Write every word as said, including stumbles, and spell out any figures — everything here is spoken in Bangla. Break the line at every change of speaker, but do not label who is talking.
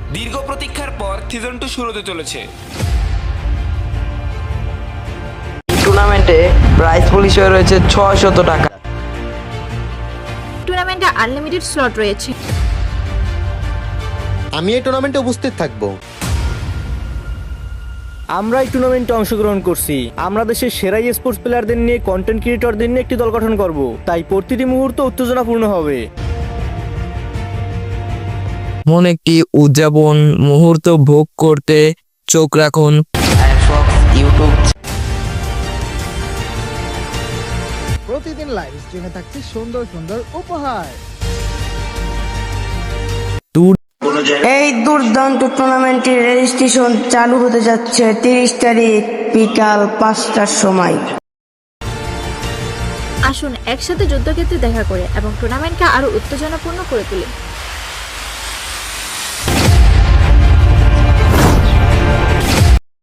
দীর্ঘ প্রতীক্ষার পর সিজন টু শুরু হতে চলেছে।
টুর্নামেন্টে প্রাইজ পুল হিসেবে রয়েছে ছয়শত টাকা।
টুর্নামেন্টে আনলিমিটেড স্লট রয়েছে।
আমি এই টুর্নামেন্টে উপস্থিত থাকব।
আমরা এই টুর্নামেন্টে অংশগ্রহণ করছি। আমরা দেশের সেরা স্পোর্টস প্লেয়ারদের নিয়ে কন্টেন্ট ক্রিয়েটরদের নিয়ে একটি দল গঠন করব, তাই প্রতিটি মুহূর্ত উত্তেজনাপূর্ণ হবে।
এমন একটি উদযাপন মুহূর্ত ভোগ করতে চোখ রাখুন
ইউটিউব।
প্রতিদিন লাইভ স্ট্রিমে থাকছে সুন্দর সুন্দর উপহার।
এই দুর্দান্ত টুর্নামেন্টের রেজিস্ট্রেশন চালু হতে যাচ্ছে তিরিশ তারিখ বিকাল পাঁচটার সময়।
আসুন একসাথে যুদ্ধক্ষেত্রে দেখা করে এবং টুর্নামেন্টকে আরো উত্তেজনাপূর্ণ করে তুলি।